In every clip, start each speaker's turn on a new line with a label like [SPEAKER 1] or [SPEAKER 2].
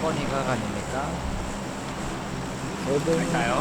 [SPEAKER 1] 사건이가 아닙니까?
[SPEAKER 2] 갈까요?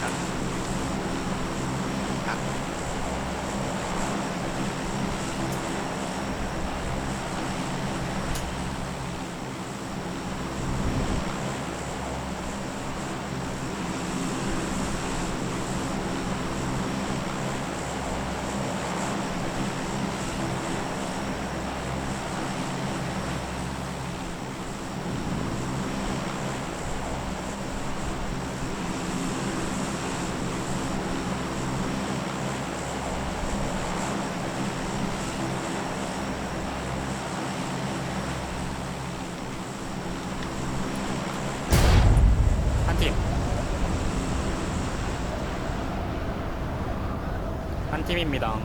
[SPEAKER 2] 한 팀입니다.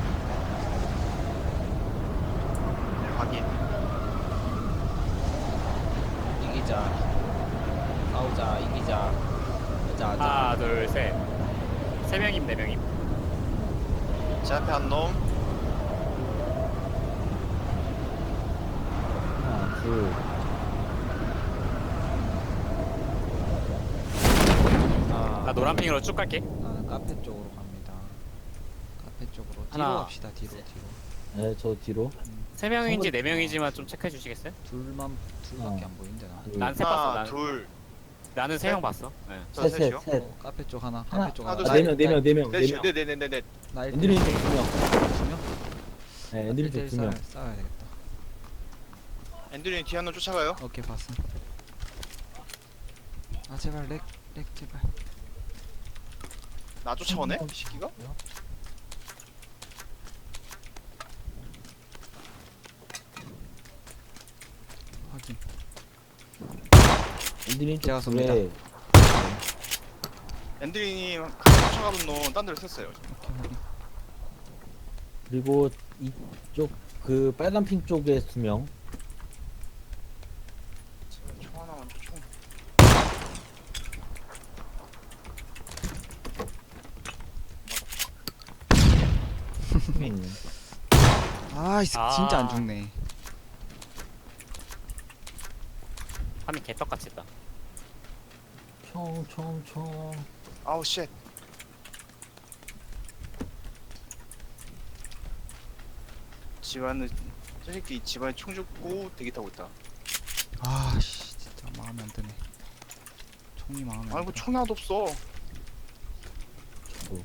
[SPEAKER 3] 네, 확인.
[SPEAKER 1] 이기자. 싸우자. 이기자. 하자.
[SPEAKER 2] 하나, 둘, 셋. 세 명임, 네 명임.
[SPEAKER 3] 제 앞에 한 놈.
[SPEAKER 4] 하나, 둘.
[SPEAKER 2] 나 노란핑으로 쭉 갈게.
[SPEAKER 1] 나는 카페 쪽으로 갑니다. 카페 쪽으로. 뒤로
[SPEAKER 2] 하나.
[SPEAKER 1] 갑시다. 뒤로.
[SPEAKER 4] 네, 저 뒤로.
[SPEAKER 2] 세 명인지 네 명이지만 좀 체크해 주시겠어요?
[SPEAKER 1] 둘밖에 안 보이는데 나.
[SPEAKER 4] 둘.
[SPEAKER 2] 난 셋 봤어.
[SPEAKER 3] 하나, 둘,
[SPEAKER 2] 나는 세 명 봤어. 네.
[SPEAKER 3] 저
[SPEAKER 4] 셋,
[SPEAKER 3] 셋이요.
[SPEAKER 4] 셋, 셋.
[SPEAKER 1] 카페 쪽 하나.
[SPEAKER 4] 하나.
[SPEAKER 1] 카페 쪽
[SPEAKER 3] 하나,
[SPEAKER 1] 하나.
[SPEAKER 3] 둘,
[SPEAKER 4] 아,
[SPEAKER 3] 셋.
[SPEAKER 4] 네 명, 네 명.
[SPEAKER 3] 넷이요. 네네네네.
[SPEAKER 1] 나
[SPEAKER 4] 엔드린 쪽 2명.
[SPEAKER 1] 두 명?
[SPEAKER 4] 네, 엔드린 쪽 2명.
[SPEAKER 1] 싸워야 되겠다.
[SPEAKER 3] 앤드류님 뒤에 한 놈 쫓아가요.
[SPEAKER 1] 오케이 봤음. 아 제발 렉 제발.
[SPEAKER 3] 나 쫓아오네. 이 새끼가.
[SPEAKER 1] 확인.
[SPEAKER 4] 엔드린
[SPEAKER 1] 제가
[SPEAKER 4] 쪽
[SPEAKER 1] 쏩니다.
[SPEAKER 4] 둘에
[SPEAKER 3] 앤드류님 쫓아가던 놈 딴 데로 샜어요.
[SPEAKER 1] 오케이 확인.
[SPEAKER 4] 그리고 이쪽 그 빨간 핑 쪽에 2명.
[SPEAKER 3] 총 하나만 줘. 총.
[SPEAKER 1] 아 진짜 안 죽네.
[SPEAKER 2] 화면 개떡같이 했다.
[SPEAKER 4] 총.
[SPEAKER 3] 아우 쉣. 집안에 저 새끼 집안에 총 죽고 대기 타고 있다.
[SPEAKER 1] 아씨 진짜 마음에 안 드네. 총이 마음에 안
[SPEAKER 3] 아이고
[SPEAKER 1] 들어.
[SPEAKER 3] 총 하나도 없어.
[SPEAKER 4] 저도.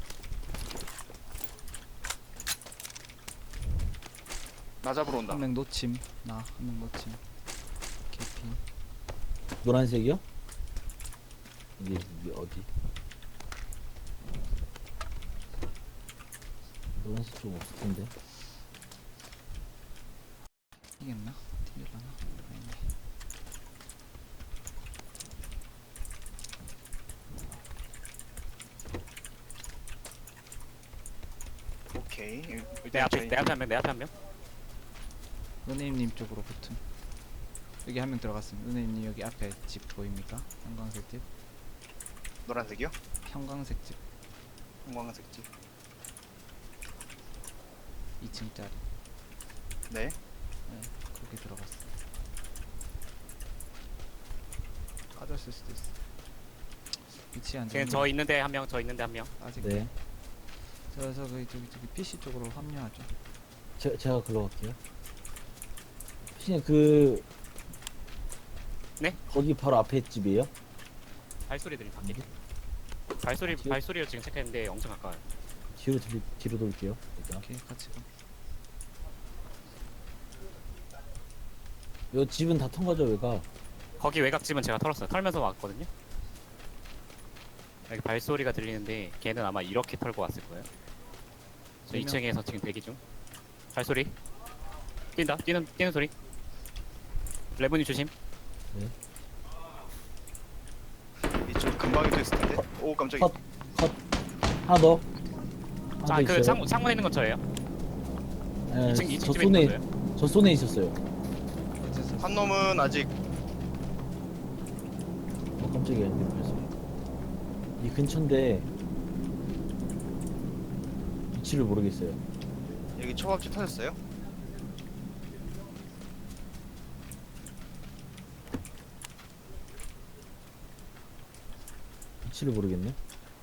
[SPEAKER 3] 나 잡으러 온다.
[SPEAKER 1] 한 명 놓침. 나 한 명 놓침. 개피.
[SPEAKER 4] 노란색이요? 이게 어디? 노란색 좀 없을 텐데.
[SPEAKER 1] 이겼나? 튕길라나? 아니네.
[SPEAKER 3] 오케이.
[SPEAKER 2] 내 앞에 한 명, 내 앞에 한 명.
[SPEAKER 1] 은혜님 쪽으로 붙음. 여기 한 명 들어갔음. 은혜님 여기 앞에 집 보입니까? 형광색 집.
[SPEAKER 3] 노란색이요?
[SPEAKER 1] 형광색 집.
[SPEAKER 3] 형광색 집.
[SPEAKER 1] 2층짜리.
[SPEAKER 3] 네.
[SPEAKER 1] 그렇게 들어갔어. 빠졌을 수도 있어. 위치 안
[SPEAKER 2] 지금
[SPEAKER 1] 좋은데.
[SPEAKER 2] 저 있는데 한 명, 저 있는데 한 명.
[SPEAKER 1] 아직.
[SPEAKER 4] 네.
[SPEAKER 1] 저기 PC 쪽으로 합류하죠.
[SPEAKER 4] 제가 글로 갈게요. 피디님 그
[SPEAKER 2] 네?
[SPEAKER 4] 거기 바로 앞에 집이에요?
[SPEAKER 2] 발소리 들림 밖에. 발소리를 지금 체크했는데 엄청 가까워요.
[SPEAKER 4] 뒤로 돌게요. 일단.
[SPEAKER 1] 오케이 같이 가.
[SPEAKER 4] 요 집은 다 통과죠, 외가.
[SPEAKER 2] 거기 외곽집은 제가 털었어요. 털면서 왔거든요. 여기 발소리가 들리는데 걔는 아마 이렇게 털고 왔을 거예요. 저
[SPEAKER 1] 네 명.
[SPEAKER 2] 2층에서 지금 대기 중. 발소리. 뛴다. 뛰는 소리. 레몬이 조심.
[SPEAKER 3] 이쪽 금방이 됐을 텐데. 오 깜짝이야.
[SPEAKER 4] 컷. 하나 더. 하나 더
[SPEAKER 2] 그
[SPEAKER 4] 있어요.
[SPEAKER 2] 창문에 있는 건 저예요.
[SPEAKER 4] 예,
[SPEAKER 2] 2층
[SPEAKER 4] 저
[SPEAKER 2] 집에 있는
[SPEAKER 4] 손에
[SPEAKER 2] 거예요.
[SPEAKER 4] 저 손에 있었어요.
[SPEAKER 1] 어째서
[SPEAKER 3] 한 놈은 아직
[SPEAKER 4] 깜짝이야. 그래서 이 근처인데 위치를 모르겠어요.
[SPEAKER 3] 여기 초밥집 터졌어요.
[SPEAKER 4] 확실히 모르겠네.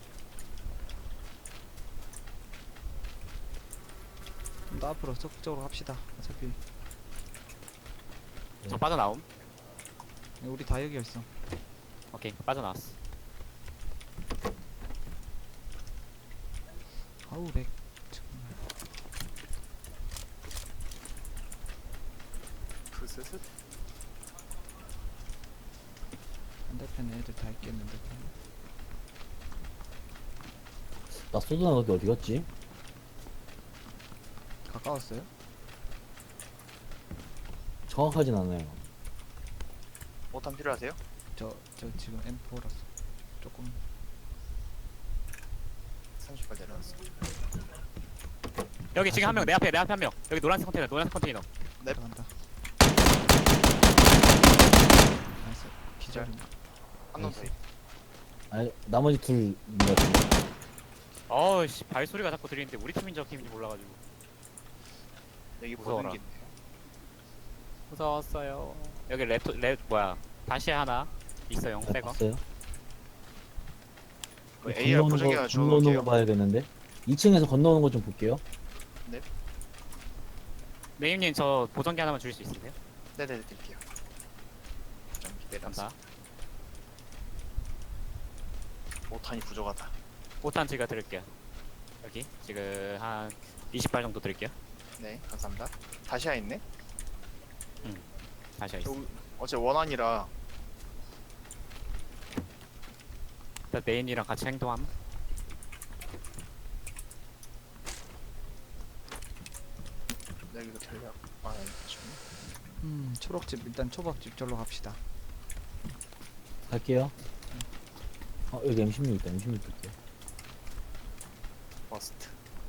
[SPEAKER 1] 좀 더 앞으로 적극적으로 합시다. 어차피
[SPEAKER 2] 저 빠져나옴.
[SPEAKER 1] 우리 다 여기 있어.
[SPEAKER 2] 오케이, 빠져나왔어.
[SPEAKER 1] 아우 렉 정말.
[SPEAKER 3] 푸스스.
[SPEAKER 1] 반대편에 애들 다 있겠는데.
[SPEAKER 4] 나 쏘드나 거기 어디 갔지?
[SPEAKER 1] 가까웠어요?
[SPEAKER 4] 정확하진 않아요.
[SPEAKER 3] 오탄 필요하세요?
[SPEAKER 1] 저 지금 M4라서 조금
[SPEAKER 3] 30발 내려놨어.
[SPEAKER 2] 여기 지금 한 명, 내 앞에 한 명. 여기 노란색 컨테이너.
[SPEAKER 3] 넵.
[SPEAKER 1] 들어간다. 나이스. 기절.
[SPEAKER 3] 한놈 더.
[SPEAKER 4] 아니 나머지 둘인 것 같은데.
[SPEAKER 2] 어우씨, 발소리가 자꾸 들리는데 우리 팀인지 저 팀인지 몰라가지고.
[SPEAKER 3] 여기
[SPEAKER 2] 무서워라.
[SPEAKER 3] 보는 게 있네.
[SPEAKER 2] 무서웠어요. 여기 뭐야. 다시 하나 있어요,
[SPEAKER 4] 네,
[SPEAKER 2] 새거.
[SPEAKER 4] 봤어요?
[SPEAKER 3] 그 AR 보정기 하나
[SPEAKER 4] 건너오는
[SPEAKER 3] 주워놓을게요.
[SPEAKER 4] 거 봐야겠는데. 2층에서 건너오는 거 좀 볼게요.
[SPEAKER 2] 네임님 저 보정기 하나만 주실 수 있으세요?
[SPEAKER 3] 네네 드릴게요. 좀 기대감사.
[SPEAKER 2] 감사.
[SPEAKER 3] 오탄이 부족하다.
[SPEAKER 2] 5탄 제가 드릴게요. 여기 지금 한 20발 정도 드릴게요.
[SPEAKER 3] 네 감사합니다. 다시아 있네.
[SPEAKER 2] 다시
[SPEAKER 3] 저
[SPEAKER 2] 하겠습니다.
[SPEAKER 3] 어제 원한이라
[SPEAKER 2] 일단 네임이랑 같이 행동함.
[SPEAKER 3] 여기도 전략. 아 좀.
[SPEAKER 1] 초록집 일단 초밥집 절로 갑시다.
[SPEAKER 4] 갈게요. 여기 M16 있다. M16 볼게요.
[SPEAKER 3] 버스트.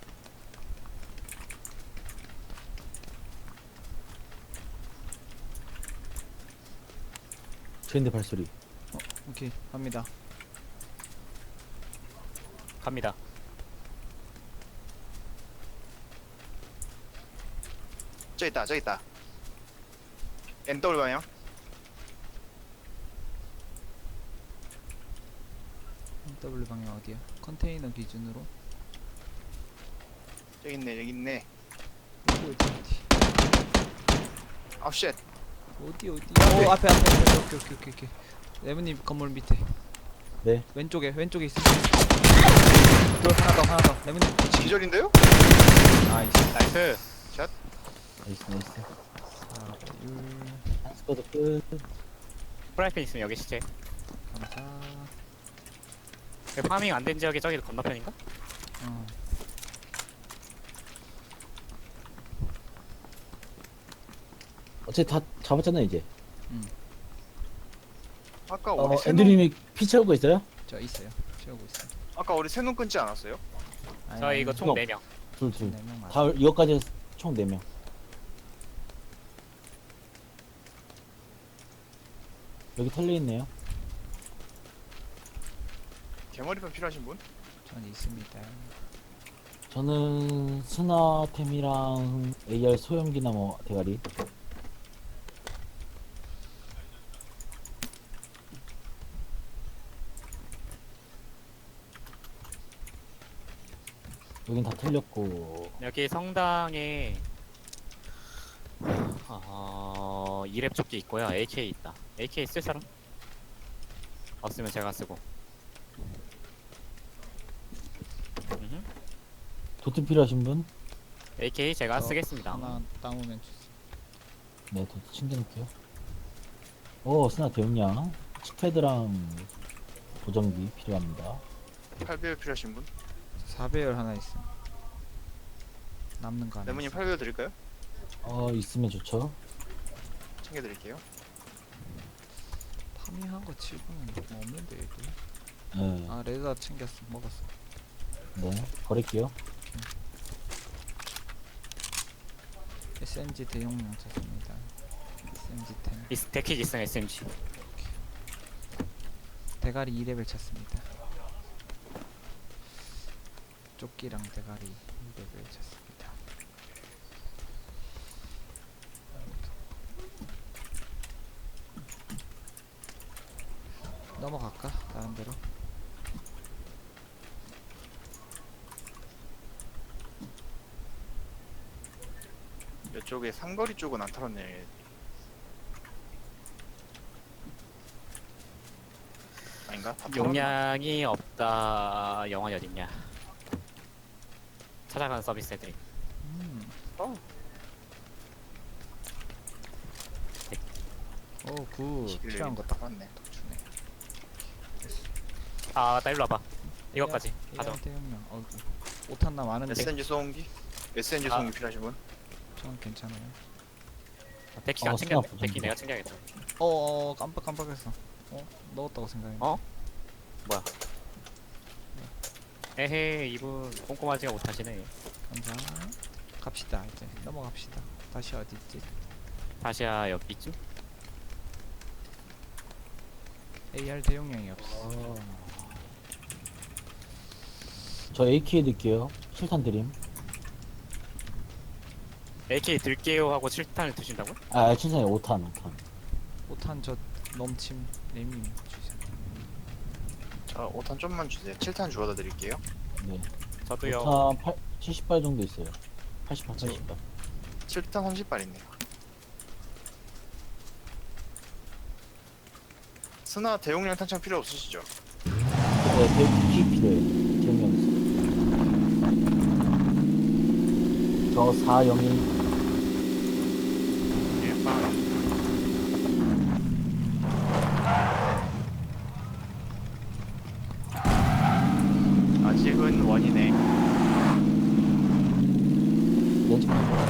[SPEAKER 4] 쟤인데 발소리.
[SPEAKER 1] 오케이 갑니다.
[SPEAKER 2] 갑니다.
[SPEAKER 3] 저기 있다. NW 방향.
[SPEAKER 1] W 방향 어디야? 컨테이너 기준으로.
[SPEAKER 3] 여기 있네.
[SPEAKER 1] 어디.
[SPEAKER 3] 아 쉣.
[SPEAKER 1] 어디. 오 앞에. 오케이. 레몬님 건물 밑에.
[SPEAKER 4] 네.
[SPEAKER 1] 왼쪽에 있어. 또 하나 더. 레몬님 뒤치기.
[SPEAKER 3] 기절인데요?
[SPEAKER 1] 나이스.
[SPEAKER 2] 나이스.
[SPEAKER 4] 나이스.
[SPEAKER 1] 4배율.
[SPEAKER 4] 한 스쿼드 끝.
[SPEAKER 2] 프라이팬 있으면 여기 시체.
[SPEAKER 1] 감사.
[SPEAKER 2] 그 파밍 안 된 지역이 저기 건너편인가?
[SPEAKER 4] 어차피 다 잡았잖아요 이제.
[SPEAKER 3] 아까 우리
[SPEAKER 4] 앤드님이 피 채우고 있어요?
[SPEAKER 1] 저 있어요. 채우고 있어요.
[SPEAKER 3] 아까 우리 새놈 끊지 않았어요?
[SPEAKER 2] 저 이거 총
[SPEAKER 4] 형.
[SPEAKER 2] 4명.
[SPEAKER 4] 둘.
[SPEAKER 1] 4명 맞아.
[SPEAKER 4] 다 이거까지 해서 총 4명. 여기 털려 있네요.
[SPEAKER 3] 개머리판 필요하신 분?
[SPEAKER 1] 전 있습니다.
[SPEAKER 4] 저는 스나템이랑 AR 소형기나 뭐 대가리. 여긴 다 털렸고.
[SPEAKER 2] 여기 성당에 2렙 조끼 있고요. AK 있다. AK 쓸 사람? 없으면 제가 쓰고. 음흠.
[SPEAKER 4] 도트 필요하신 분?
[SPEAKER 2] AK 제가
[SPEAKER 1] 저
[SPEAKER 2] 쓰겠습니다.
[SPEAKER 1] 하나 따오면 주세요.
[SPEAKER 4] 네, 도트 챙겨놓을게요. 스나 대용량. 칙패드랑 보정기 필요합니다.
[SPEAKER 3] 8배율 필요하신 분?
[SPEAKER 1] 4배율 하나 있어. 남는 거 하나.
[SPEAKER 3] 레몬님
[SPEAKER 1] 있어.
[SPEAKER 3] 8배율 드릴까요?
[SPEAKER 4] 있으면 좋죠.
[SPEAKER 3] 챙겨드릴게요.
[SPEAKER 1] 파밍한 거 치고는 뭐 없는데 얘들.
[SPEAKER 4] 네,
[SPEAKER 1] 아 레드다 챙겼어. 먹었어.
[SPEAKER 4] 네, 버릴게요.
[SPEAKER 1] SMG 대용량 찾습니다. SMG 10.
[SPEAKER 2] 데킥 있음 SMG.
[SPEAKER 1] 대가리 2레벨 찾습니다. 조끼랑 대가리 2레벨 찾습니다. 넘어갈까? 다른 데로?
[SPEAKER 3] 이쪽에 상거리 쪽은 안 털었네. 아닌가? 다 털었나?
[SPEAKER 2] 용량이 없다. 영환이 어딨냐? 찾아가는 서비스 해드림.
[SPEAKER 3] 어.
[SPEAKER 1] 굿. 필요한 거 딱 주네.
[SPEAKER 2] 아, 나 일로 와봐. 이것까지 가져.
[SPEAKER 1] 대용량. 어이구. 5탄 많은데.
[SPEAKER 3] SNG 소음기? SNG
[SPEAKER 2] 아.
[SPEAKER 3] 소음기 필요하신 분?
[SPEAKER 1] 저는 괜찮아요.
[SPEAKER 2] 데키 안
[SPEAKER 4] 어,
[SPEAKER 2] 챙겼네.
[SPEAKER 4] 수납
[SPEAKER 2] 데키
[SPEAKER 4] 부족해.
[SPEAKER 2] 내가 챙겨야겠다.
[SPEAKER 1] 깜빡했어. 넣었다고 생각해.
[SPEAKER 2] 어? 뭐야? 에헤, 이분 꼼꼼하지가 못하시네.
[SPEAKER 1] 감사. 갑시다 이제 넘어갑시다. 다시 어디 있지?
[SPEAKER 2] 다시야 여기쯤?
[SPEAKER 1] AR 대용량이 없어.
[SPEAKER 4] 저 AK 드릴게요. 7탄 드림.
[SPEAKER 2] AK 들게요 하고 7탄을 드신다고?
[SPEAKER 4] 아, 7탄이 5탄, 5탄.
[SPEAKER 1] 5탄 저 넘침 네임님 주세요.
[SPEAKER 3] 저 5탄 좀만 주세요. 7탄 주워다 드릴게요.
[SPEAKER 4] 네.
[SPEAKER 2] 저도요.
[SPEAKER 4] 5탄 70발 정도 있어요. 88, 80발.
[SPEAKER 3] 7탄 30발 있네요. 스나 대용량 탄창 필요 없으시죠?
[SPEAKER 4] 네, 대기 필요해요. 기억력 있어. 저 401.
[SPEAKER 3] 예, 빵. 아직은 원이네.
[SPEAKER 4] 렌즈판.